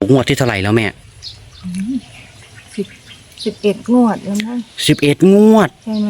งวดที่เท่าไหร่แล้วแม่สิบ11 งวดแล้วนะ 11 งวดใช่ไหม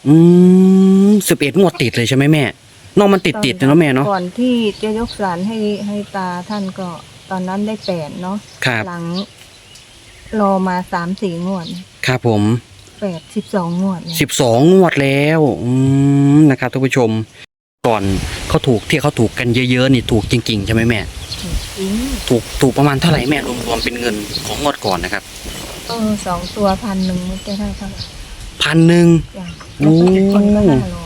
11 งวดติดเลยใช่ไหมแม่นอกมันติดนะแม่เนาะก่อนที่จะยกศาลให้ตาท่านก็ตอนนั้นได้8เนาะครับหลังรอมา3-4 งวดครับผม 12 งวด 12 งวดแล้วนะครับท่านผู้ชมก่อนเขาถูกที่เขาถูกกันเยอะๆนี่ถูกจริงๆใช่ไหมแม่ถูกประมาณเท่าไหร่แม่รวมๆเป็นเงินของงวดก่อนนะครับ 2 ตัว1,000มันจะได้เท่าไหร่ 1,000 จ้ะแล้วก็อีกคนก็500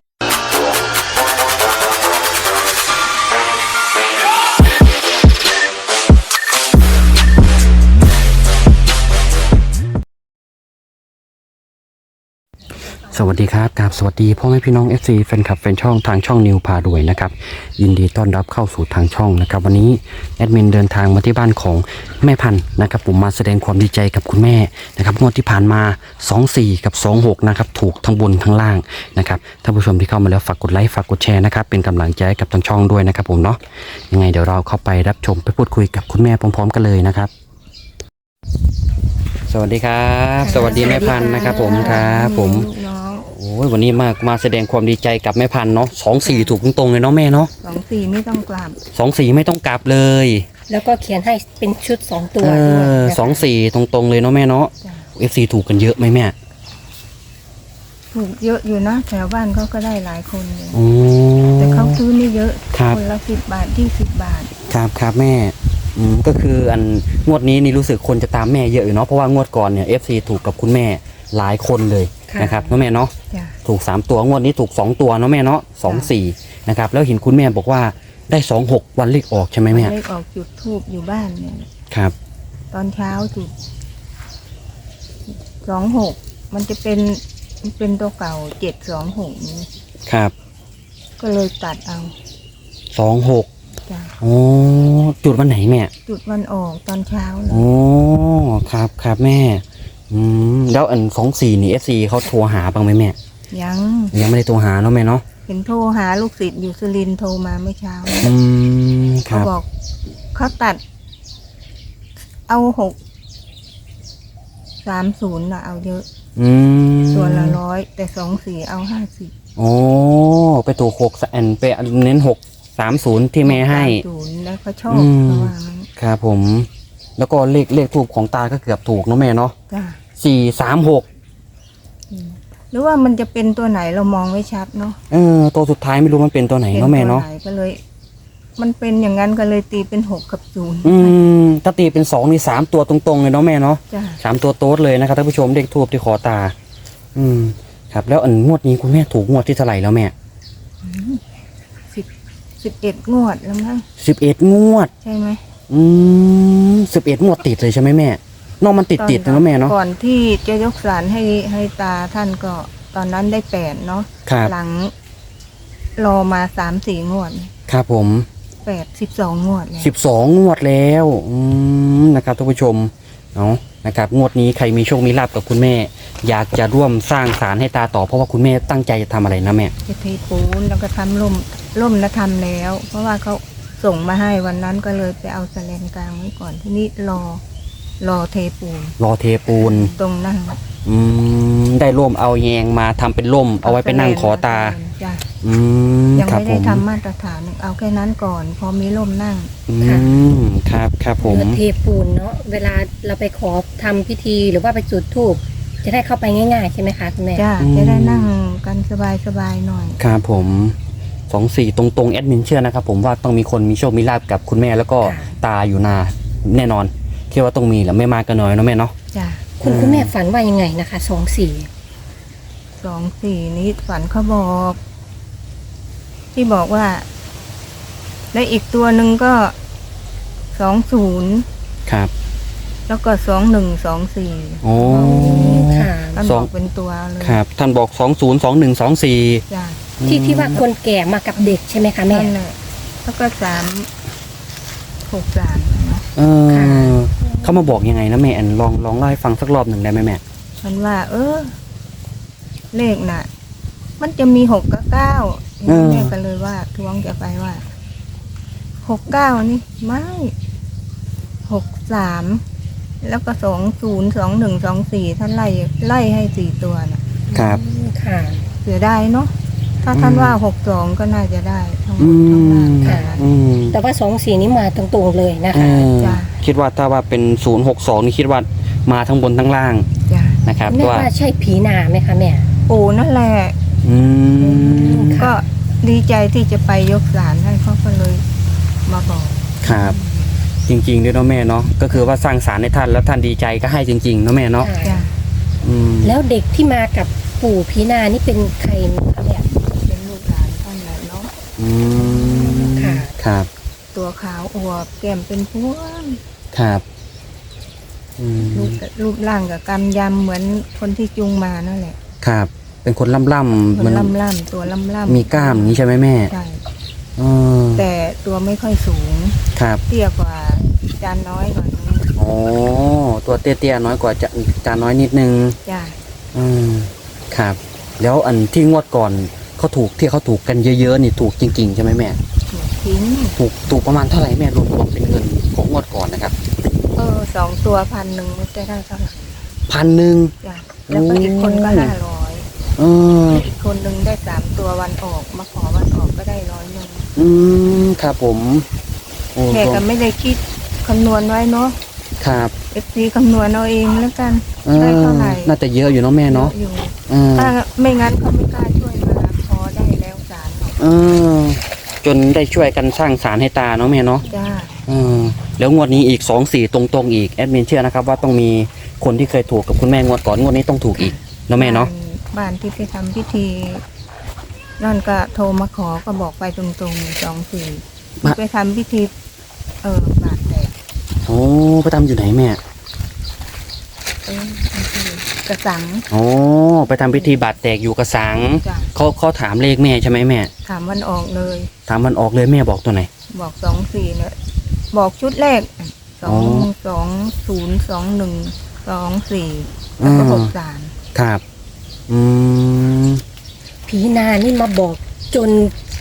สวัสดีครับกับสวัสดีพ่อแม่พี่น้อง FC แฟนคลับแฟนช่องทางช่องนิวพารวยนะครับยินดีต้อนรับเข้าสู่ทางช่องนะครับวันนี้แอดมินเดินทางมาที่บ้านของแม่พันธุ์นะครับผมมาแสดงความดีใจกับคุณแม่นะครับงวดที่ผ่านมา24กับ26นะครับถูกทั้งบนทั้งล่างนะครับท่านผู้ชมที่เข้ามาแล้วฝากกดไลค์ฝากกดแชร์นะครับเป็นกำลังใจกับทางช่องด้วยนะครับผมเนาะยังไงเดี๋ยวเราเข้าไปรับชมไปพูดคุยกับคุณแม่พร้อมๆกันเลยนะครับสวัสดีครับสวัสดีแม่พันธุ์นะครับผมครับผมโอ้ยวันนี้มาแสดงความดีใจกับแม่พันธุ์เนาะ24ถูกตรงๆเลยเนาะแม่เนาะ 24ไม่ต้องกลับ 24ไม่ต้องกลับเลยแล้วก็เขียนให้เป็นชุด2ตัวด้วย 24ตรงๆเลยเนาะแม่เนาะ FC ถูกกันเยอะไหมแม่ถูกเยอะอยู่นะแถวบ้านเขาก็ได้หลายคนเลยแต่เขาซื้อไม่เยอะคนละ10 บาท20 บาทครับแม่ก็คืออันงวดนี้นี่รู้สึกคนจะตามแม่เยอะอยู่เนาะเพราะว่างวดก่อนเนี่ย FC ถูกกับคุณแม่หลายคนเลยนะครับเนาะแม่เนาะถูก3ตัวงวดนี้ถูก2ตัวเนาะแม่เนาะ24นะครับแล้วเห็นคุณแม่บอกว่าได้26วันเลขออกใช่ไหมแม่เลขออกจุดธูปอยู่บ้านเนี่ยครับตอนเช้าจุด26มันจะเป็นตัวเก่า726นี้ครับก็เลยตัดเอา 26โอ้จุดวันไหนแม่จุดวันออกตอนเช้าเลยโอ้ครับแม่แล้วอัน24นี่ FC เขาโทรหาบ้างไหมแม่ยังไม่ได้โทรหาเนาะแม่เนาะเห็นโทรหาลูกศิษย์อยู่สุรินทร์โทรมาเมื่อเช้าเขาบอกเขาตัดเอา630น่ะเอาเยอะตัวละ100แต่24เอา50 โอ้ไปถูก6อันไปเน้น630ที่แม่ให้แล้วเขาชอบเพราะว่าครับผมแล้วก็เลขทูปของตาก็เกือบถูกเนาะแม่เนาะ436 หรือว่ามันจะเป็นตัวไหนเรามองไม่ชัดเนาะตัวสุดท้ายไม่รู้มันเป็นตัวไหนเนาะแม่เนาะก็เลยมันเป็นอย่างนั้นก็เลยตีเป็น6กับ0 ถ้าตีเป็น2นี่3ตัวตรงๆเลยเนาะแม่เนาะ3ตัวโต๊ดเลยนะครับท่านผู้ชมเลขทูปที่ขอตาครับแล้วอันงวดนี้คุณแม่ถูกงวดที่เท่าไหร่แล้วแม่ 11 งวดแล้วมั้ง 11 งวดใช่ไหม 11 งวดติดเลยใช่ไหมแม่นอกมันติดนะแม่เนาะก่อนที่จะยกศาลให้ตาท่านก็ตอนนั้นได้8เนาะหลังรอมา3-4 งวดครับผม 12 งวดแล้ว 12 งวดแล้วนะครับท่านผู้ชมเนาะนะครับงวดนี้ใครมีโชคมีลาภกับคุณแม่อยากจะร่วมสร้างศาลให้ตาต่อเพราะว่าคุณแม่ตั้งใจจะทำอะไรนะแม่จะเทปูนแล้วก็ทำร่มแล้วทำแล้วเพราะว่าเขาส่งมาให้วันนั้นก็เลยไปเอาแสลนกลางไว้ก่อนที่นี่รอเทปูนตรงนั่งได้ร่มเอาแยงมาทำเป็นร่มเอาไว้ไปนั่งขอตายังไม่ได้ทำมาตรฐานเอาแค่นั้นก่อนพอมีร่มนั่งครับผมเทปูนเนาะเวลาเราไปขอทำพิธีหรือว่าไปจุดธูปจะได้เข้าไปง่ายๆใช่ไหมคะคุณแม่จะได้นั่งกันสบายหน่อยครับผม24ตรงๆแอดมินเชื่อนะครับผมว่าต้องมีคนมีโชคมีลาภกับคุณแม่แล้วก็ตาอยู่นาแน่นอนคิดว่าต้องมีแหละไม่มากก็น้อยเนาะแม่เนาะคุณแม่ฝันว่ายังไงนะคะ 24นี้ฝันเขาบอกที่บอกว่าและอีกตัวหนึ่งก็20 ครับแล้วก็2124 โอ้ค่ะท่านบอกเป็นตัวเลยครับท่านบอก202124 จ้ะที่ว่าคนแก่มากับเด็กใช่ไหมคะแม่แล้วก็363 เขามาบอกยังไงนะแม่อันลองเล่าให้ฟังสักรอบหนึ่งได้ไหมแม่มันว่าเลขน่ะมันจะมี6กับ9แม่ก็เลยว่าทวงจะไปว่า69นี่ไม่ 63แล้วก็202124ท่านไล่ให้4ตัวน่ะครับค่ะเสียดายเนาะถ้าท่านว่า62ก็น่าจะได้ทั้งหมอืดทั้งนั้มนค่ะอืมแต่ว่า24นี้มาตรงๆเลยนะเอคะอจ้ะคิดว่าถ้าว่าเป็น062นี่คิดว่ามาทั้งบนทั้งล่างจ้ะนะครับแม่ว่าว่าใช่ผีนาไหมคะแม่ปู่นั่นแหละอืมค่ะก็ดีใจที่จะไปยกศาลให้เขาก็เลยมาบอกครับ จริงๆด้วยเนาะแม่เนาะก็คือว่าสร้างสารให้ท่านแล้วท่านดีใจก็ให้จริงๆเนาะแม่เนาะจ้ะอืมแล้วเด็กที่มากับปู่ผีนานี่เป็นใครคะแม่เป็นลูกหลานท่านแหละเนาะอืมค่ะครับตัวขาวอวบแก้มเป็นพวงครับอืมรูปร่างกับกำยำเหมือนคนที่จูงมานั่นแหละครับ เป็นคนล่ำๆคนมันล่ำๆตัวล่ำๆมีกล้ามอย่างนี้ใช่ไหมแม่ใช่เออแต่ตัวไม่ค่อยสูงครับเตี้ยกว่าจานน้อยหน่อยนึงอ๋อตัวเตี้ยๆน้อยกว่าจานน้อยนิดนึงจ้ะอืมครับ แล้วอันที่งวดก่อนเขาถูกกันเยอะๆนี่ถูกจริงๆใช่ไหมแม่หัวทิ้งถูกประมาณเท่าไหร่แม่รวมเป็นเงินของงวดก่อนนะครับ 2 ตัว1,000ไม่ได้เท่าไหร่ 1,000 จ้ะแล้วก็อีกคนก็โอ้ 500 เอออีกคนหนึ่งได้3 ตัววันออกมาขอวันออกก็ได้100 อืมครับผมโอ้แม่ก็ไม่ได้คิดคำนวณไว้เนาะครับ FC คำนวณเอาเองแล้วกันเออได้เท่าไหร่น่าจะเยอะอยู่เนาะแม่เนาะอยู่เออถ้าไม่งั้นเขาไม่กล้าช่วยมาพอได้แล้วศาลเออจนได้ช่วยกันสร้างสารให้ตาเนาะแม่เนาะจ้าเออแล้วงวดนี้อีก2-4ตรงๆอีกแอดมินเชื่อนะครับว่าต้องมีคนที่เคยถูกกับคุณแม่งวดก่อนงวดนี้ต้องถูกอีกเนาะแม่เนาะบ้านที่ไปทำพิธีนั่นก็โทรมาขอก็บอกไปตรงๆ24ไปทำพิธีบาทแตกโอ้ไปทำอยู่ไหนแม่กระสังโอ้ไปทำพิธีบาดแตกอยู่กระสังจ้ะเขาถามเลขแม่ใช่ไหมแม่ถามวันออกเลยถามมันออกเลยแม่บอกตัวไหนบอก24เนี่ยบอกชุดแรกอ๋อ 202124แล้วก็63 ครับ อืมผีนานี่มาบอกจน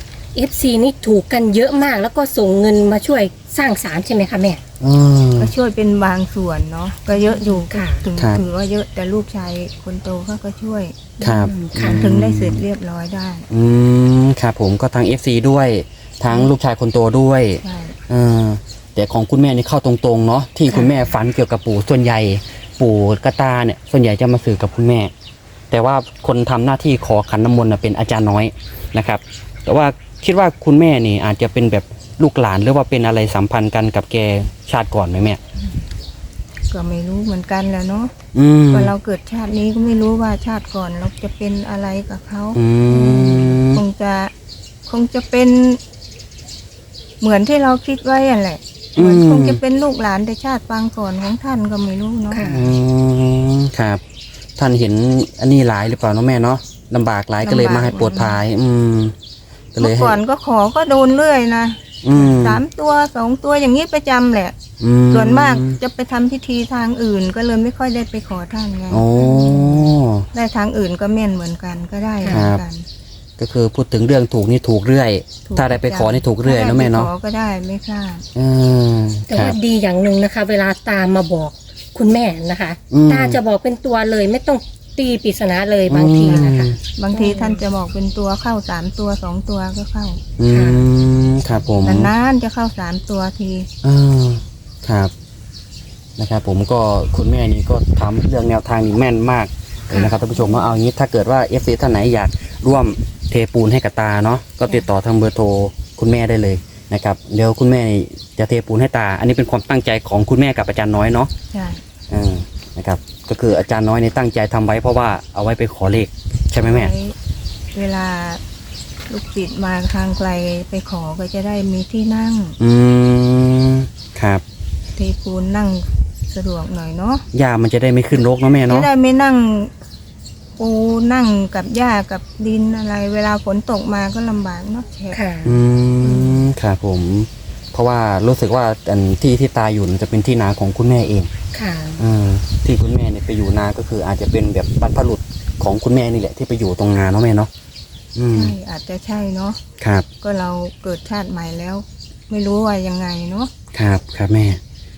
FC นี่ถูกกันเยอะมาก แล้วก็ส่งเงินมาช่วยสร้างศาลใช่ไหมคะแม่เออก็ช่วยเป็นบางส่วนเนาะก็เยอะอยู่ค่ะถึงครับถือว่าเยอะแต่ลูกชายคนโตเขาก็ช่วยครับค่ะถึงได้เสร็จเรียบร้อยได้อืมครับผมก็ทั้ง FC ด้วยทั้งลูกชายคนโตด้วยใช่เออแต่ของคุณแม่นี่เข้าตรงๆเนาะที่คุณแม่ฝันเกี่ยวกับปู่ส่วนใหญ่ ปู่กระตาเนี่ยส่วนใหญ่จะมาสื่อกับคุณแม่ แต่ว่าคนทำหน้าที่ขอขันน้ำมนต์น่ะเป็นอาจารย์น้อยนะครับ แต่ว่าคิดว่าคุณแม่นี่อาจจะเป็นแบบลูกหลานหรือว่าเป็นอะไรสัมพันธ์กันกับแกชาติก่อนไหมแม่ก็ไม่รู้เหมือนกันแหล้วเนาะอืมว่าเราเกิดชาตินี้ก็ไม่รู้ว่าชาติก่อนเราจะเป็นอะไรกับเขาอืมคงจะเป็น เหมือนที่เราคิดไว้อะแหละเหมือนคงจะเป็นลูกหลานแต่ชาติปางก่อนของท่านก็ไม่รู้เนาะค่ะอืมครับ ท่านเห็นอันนี้หลายหรือเปล่าเนาะแม่เนาะลำบากหลายก็เลยมาให้ปวดภาย ก็เลเมื่ยอให้ก่อนก็ขอก็โดนเรื่อยนะอืม 3 ตัว 2 ตัวอย่างนี้ประจำแหละอืส่วนมากจะไปทำพิธีทางอื่น ก็เลยไม่ค่อยได้ไปขอท่านไงโอ้ได้ทางอื่นก็แม่นเหมือนกันก็ได้เหมือนกันก็คือพูดถึงเรื่องถูกนี่ถูกเรื่อยถูกถ้าได้ไปขอนี่ถูกเรื่อยถ้าเนาะได้แม่ไปเนาะขอก็ได้ไม่พลาดอืมแต่ครัว่าบดีอย่างหนึ่งนะคะ เวลาตามมาบอกคุณแม่นะคะอืมตาจะบอกเป็นตัวเลยไม่ต้องตีปริศนาเลยบางทีนะคะบางทีท่านจะบอกเป็นตัวเข้า3 ตัว 2 ตัวก็เข้าอืมครับผมนานๆจะเข้า3 ตัวทีอ่าครับนะครับผมก็คุณแม่นี่ก็ทำเรื่องแนวทางนี่แม่นมากเลยนะครับท่านผู้ชมว่าเอางี้ถ้าเกิดว่า FC ท่านไหนอยากร่วมเทปูนให้กับตาเนาะก็ติดต่อทางเบอร์โทรคุณแม่ได้เลยนะครับเดี๋ยวคุณแม่จะเทปูนให้ตา อันนี้เป็นความตั้งใจของคุณแม่กับอาจารย์น้อยเนาะใช่นะครับก็คืออาจารย์น้อยในตั้งใจทำไว้เพราะว่าเอาไว้ไปขอเลขใช่ไหมแม่ไว้เวลาลูกศิษย์มาทางไกลไปขอก็จะได้มีที่นั่งอืมครับเทปูนนั่งสะดวกหน่อยเนาะยามันจะได้ไม่ขึ้นรกเนาะแม่จะเนาะได้ไม่นั่งปูนั่งกับหญ้ากับดินอะไร เวลาฝนตกมาก็ลำบากเนาะแฉะค่ะอืมครับผม เพราะว่ารู้สึกว่าอันที่ตายอยู่มันจะเป็นที่นาของคุณแม่เองค่ะที่คุณแม่เนี่ยไปอยู่นาก็คืออาจจะเป็นแบบบรรพบุรุษของคุณแม่นี่แหละที่ไปอยู่ตรงนาเนาะแม่เนาะอืมใช่อาจจะใช่เนาะครับก็เราเกิดชาติใหม่แล้ว ไม่รู้ว่ายังไงเนาะครับครับแม่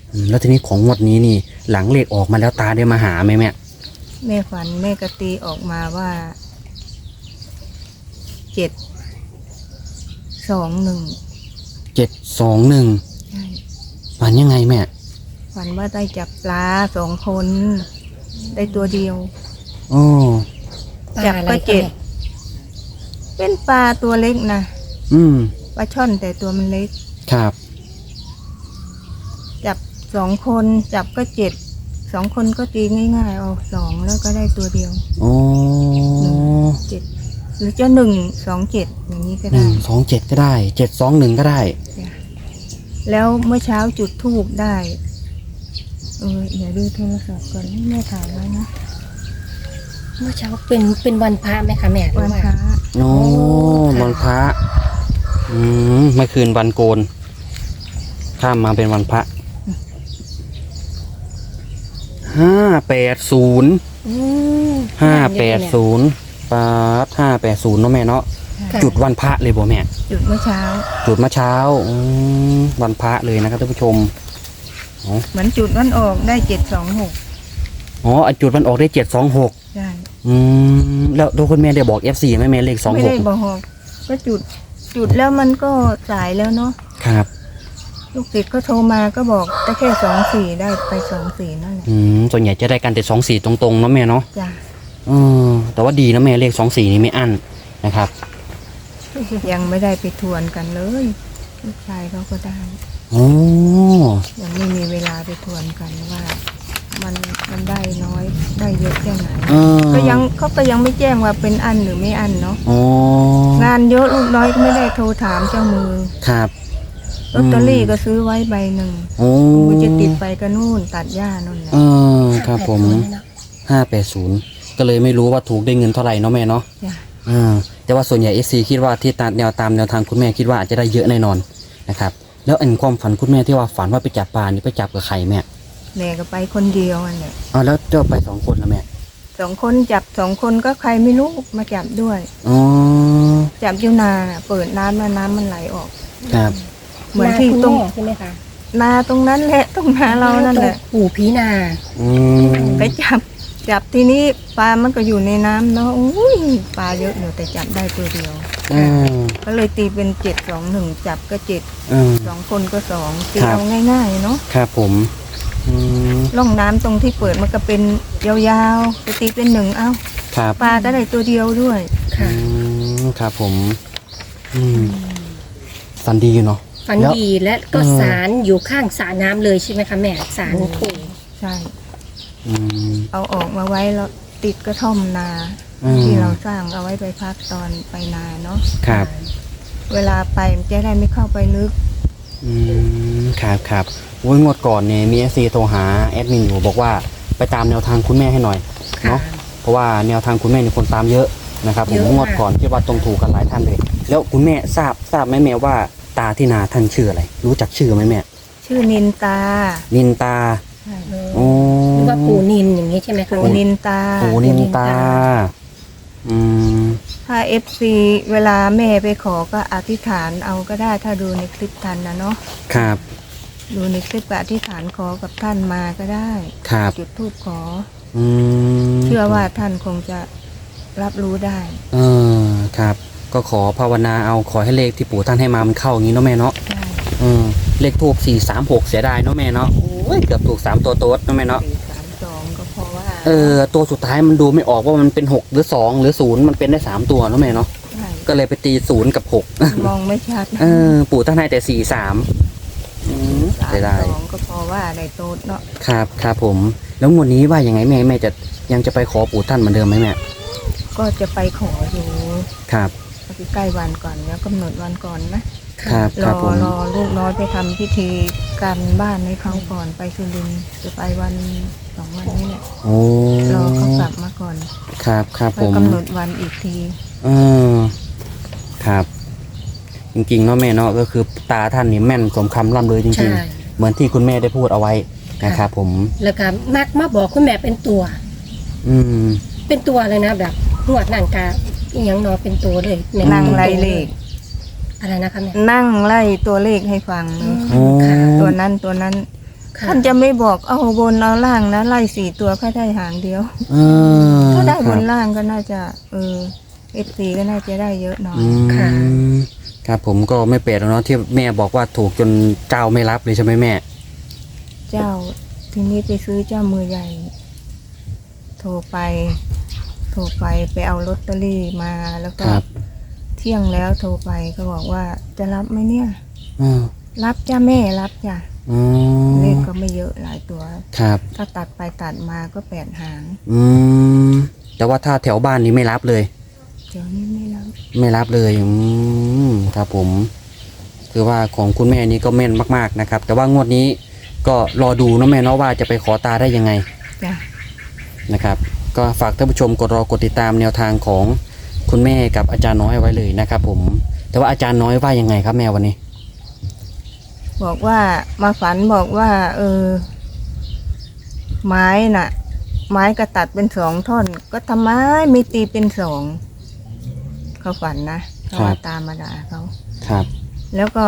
แล้วทีนี้ของงวดนี้นี่ หลังเลขออกมาแล้วตาได้มาหาไหมแม่แม่ฝันแม่กตีออกมาว่า721 721 ใช่ฝันยังไงแม่ฝันว่าได้จับปลา2 คนได้ตัวเดียวโอ้จับก็เจ็ด เป็นปลาตัวเล็กนะอืมปลาช่อนแต่ตัวมันเล็กครับจับ2 คนจับก็7 2 คนก็ตีง่ายๆเอา2แล้วก็ได้ตัวเดียวโอ้ 7หรือจะ127อย่างนี้ก็ได้ 127ก็ได้721ก็ได้จ้ะแล้วเมื่อเช้าจุดธูปได้เดี๋ยวดูโทรศัพท์ก่อนแม่ถ่ายไว้นะเมื่อเช้าเป็นวันพระไหมคะแม่หรือวันว่าพระโอ้ค่ะวันพระเมื่อคืนวันโกน ข้ามมาเป็นวันพระ580 อืม 580ปาด580เนาะแม่เนาะค่ะจุดวันพระเลยบ่แม่จุดเมื่อเช้าจุดเมื่อเช้าวันพระเลยนะครับท่านผู้ชมเหมือนจุดวันออกได้726 อ๋อจุดวันออกได้726 ใช่แล้วโดยคุณแม่ได้บอก FC ไหมแม่เลขไม่ได้ 26 บอกก็จุดแล้วมันก็สายแล้วเนาะครับลูกศิษย์ก็โทรมาก็บอกได้แค่24ได้ไป24นั่นแหละส่วนใหญ่จะได้กันแต่24ตรงๆเนาะแม่เนาะจ้ะแต่ว่าดีนะแม่เลข24นี่ไม่อั้นนะครับยังไม่ได้ไปทวนกันเลยลูกชายเขาก็ได้โอ้ยังไม่มีเวลาไปทวนกันว่ามันได้น้อยได้เยอะแค่ไหน เขาก็ยังไม่แจ้งว่าเป็นอันหรือไม่อันเนาะโอ้งานเยอะลูกน้อยก็ไม่ได้โทรถามเจ้ามือครับลอตเตอรี่ก็ซื้อไว้ใบหนึ่งโอ้กูจะติดไปก็นู่นตัดหญ้านู่นแหละครับผม580ก็เลยไม่รู้ว่าถูกได้เงินเท่าไหร่เนาะแม่เนาะจ้ะแต่ว่าส่วนใหญ่ FC คิดว่าที่ตามแนวทางคุณแม่คิดว่าอาจจะได้เยอะแน่นอนนะครับแล้วอันความฝันคุณแม่ที่ว่าฝันว่าไปจับปลานี่ไปจับกับใครแม่แม่ก็ไปคนเดียวอันเนี่ยแล้วเจ้าไป2 คนแล้วแม่ 2 คนจับ2 คนก็ใครไม่รู้มาจับด้วยอ๋อจับอยู่นาน่ะเปิดน้ำมาน้ำมันไหลออกครับเหมือนที่คุณตรงแม่ใช่ไหมคะนาตรงนั้นแหละตรงนาเรานั่นแหละตรงปู่ผีนาไปจับทีนี้ปลามันก็อยู่ในน้ำเนาะอุ้ยปลาเยอะอยู่แต่จับได้ตัวเดียว ก็เลยตีเป็น721จับก็7 2 คนก็2ตีเอาง่ายๆเนาะครับผมร่องน้ำตรงที่เปิดมันก็เป็นยาวๆจะตีเป็น1เอ้าครับปลาก็ได้ตัวเดียวด้วยค่ะครับผมฝันดีอยู่เนาะฝันดีและก็ศาลอยู่ข้างสระน้ำเลยใช่ไหมคะแม่ศาลปู่ใช่อืมเอาออกมาไว้แล้วติดกระท่อมนา ที่เราสร้างเอาไว้ไปพักตอนไปนาเนาะครับเวลาไปมันจะได้ไม่เข้าไปลึกครับโอ้ยงวดก่อนเนี่ยมี FC โทรหาแอดมินอยู่บอกว่าไปตามแนวทางคุณแม่ให้หน่อยค่ะเนาะเพราะว่าแนวทางคุณแม่เนี่ยคนตามเยอะนะครับผมเยอะงวดก่อนที่ว่าตรงถูกกันหลายท่านเลย แล้วคุณแม่ทราบไหมแม่ว่าตาที่นาท่านชื่ออะไร รู้จักชื่อไหมแม่ชื่อนินตานินตาใช่โอ้หรือว่าปู่นินอย่างนี้ใช่ไหมคะปูนินตาโอ้นินตาถ้า FC เวลาแม่ไปขอก็อธิษฐานเอาก็ได้ถ้าดูในคลิปทันนะเนาะครับดูในคลิปก็อธิษฐานขอกับท่านมาก็ได้ครับจุดธูปขอมเชื่อว่าท่านคงจะรับรู้ได้ครับ ก็ขอภาวนาเอาขอให้เลขที่ปู่ท่านให้มามันเข้าอย่างนี้เนาะแม่เนาะใช่เลขทูบ436เสียดายเนาะแม่เนาะโอ้ยเกือบถูก3ตัวโต๊ดเนาะแม่เนาะ 432ก็เพราะว่าตัวสุดท้ายมันดูไม่ออกว่ามันเป็น6หรือ2หรือ0มันเป็นได้3ตัวเนาะแม่เนาะใช่ก็เลยไปตี0กับ6 มองไม่ชัดปู่ท่านให้แต่43เสียดาย 32ก็เพราะว่าในโต๊ดเนาะครับผมแล้วงวดนี้ว่ายังไงแม่จะยังจะไปขอปู่ท่านเหมือนเดิมไหมแม่ก็จะไปขออยู่ครับใกล้วันก่อนแล้วกำหนดวันก่อนนะครับ รครับอผมรอลูกน้อยไปทำพิธีการบ้านให้เขาก่อนไปสุรินทร์จะไปวัน2 วันนี้แหละโอ้รอเขากลับมาก่อนครับผแล้วมกำหนดวันอีกทีครับ จริงๆเนาะแม่เนาะก็คือตาท่านนี่แม่นสมคำร่ำเลยจใช่ริงๆ เหมือนที่คุณแม่ได้พูดเอาไว้นะครับผมแล้วก็มักมาบอกคุณแม่เป็นตัวอืมเป็นตัวเลยนะแบบหนวดหนังกาอีหยังเนอเป็นตัวเลยแม่นั่งไล่เลขอะไรนะคะแม่นั่งไล่ตัวเลขให้ฟังเลยโอ้ค่ะตัวนั้นคค่ะท่านจะไม่บอกเอาบนเอาล่างนะไล่4 ตัวแค่ได้หางเดียวเออถ้าได้บนครับล่างก็น่าจะFC ก็น่าจะได้เยอะหน่อยอืมค่ะครับผมก็ไม่แปลกแล้วเนาะที่แม่บอกว่าถูกจนเจ้าไม่รับเลยใช่ไหมแม่เจ้าทีนี้ไปซื้อเจ้ามือใหญ่ โทรไปไปเอาลอตเตอรี่มาแล้วก็ครับเที่ยงแล้วโทรไปก็บอกว่าจะรับไหมเนี่ยอืมรับจ้าแม่รับจ้ะอืมเลขก็ไม่เยอะหลายตัวครับถ้าตัดไปตัดมาก็8 หางอืมแต่ว่าถ้าแถวบ้านนี้ไม่รับเลยเดี๋ยวนี้ไม่รับไม่รับเลยครับผม คือว่าของคุณแม่นี้ก็แม่นมากๆนะครับ แต่ว่างวดนี้ก็รอดูเนาะแม่เนาะว่าจะไปขอตาได้ยังไงจ้ะนะครับ ก็ฝากท่านผู้ชมกดติดตามแนวทางของคุณแม่กับอาจารย์น้อยไว้เลยนะครับผม แต่ว่าอาจารย์น้อยว่ายังไงครับแม่วันนี้บอกว่ามาฝันบอกว่า ไม้น่ะ ไม้ก็ตัดเป็น2 ท่อน ก็ทำไมไม่ตีเป็น2เขาฝันนะเขาว่าตามมาด่าเขาครับแล้วก็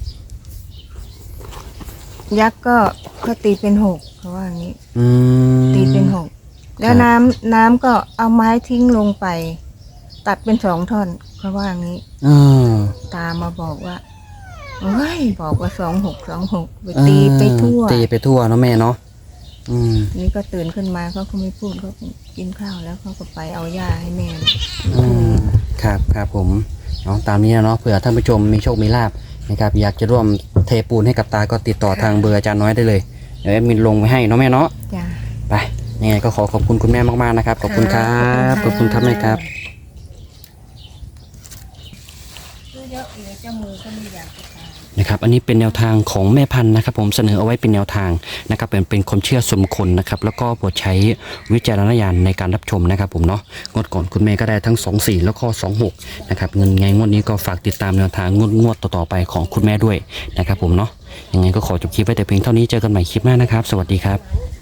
ยักษ์ก็เขาตีเป็น6เขาว่าอย่างนี้อืมตีเป็น6แล้วน้ำก็เอาไม้ทิ้งลงไป ตัดเป็น2 ท่อนเขาว่าอย่างนี้อืมตามมาบอกว่าเฮ้ยบอกว่า26 ไปตีไปทั่วตีไปทั่วเนาะแม่เนาะอืมนี่ก็ตื่นขึ้นมาเขาก็ไม่พูดเขาก็กินข้าวแล้วเขาก็ไปเอาหญ้าให้แม่อืมครับผมเอาตามนี้นะเนาะเผื่อท่านผู้ชมมีโชคมีลาภนะครับอยากจะร่วมเทปูนให้กับตาก็ติดต่อทางเบอร์อาจารย์น้อยได้เลยเดี๋ยวแอดมินลงไว้ให้เนาะแม่เนาะจ้ะไปยังไงก็ขอบคุณคุณแม่มากๆนะครับขอบคุณครับขอบคุณครับแม่ครับเยอะเลยเจ้ามือก็ไม่อยากจะทานนะครับอันนี้เป็นแนวทางของแม่พันธุ์นะครับผมเสนอเอาไว้เป็นแนวทางนะครับเป็นความเชื่อส่วนบุคคลนะครับแล้วก็โปรดใช้วิจารณญาณในการรับชมนะครับผมเนาะงวดก่อนคุณแม่ก็ได้ทั้ง24แล้วก็26นะครับเงินไงงวดนี้ก็ฝากติดตามแนวทางงวดต่อๆไปของคุณแม่ด้วยนะครับผมเนาะยังไงก็ขอจบคลิปไว้แต่เพียงเท่านี้เจอกันใหม่คลิปหน้านะครับสวัสดีครับ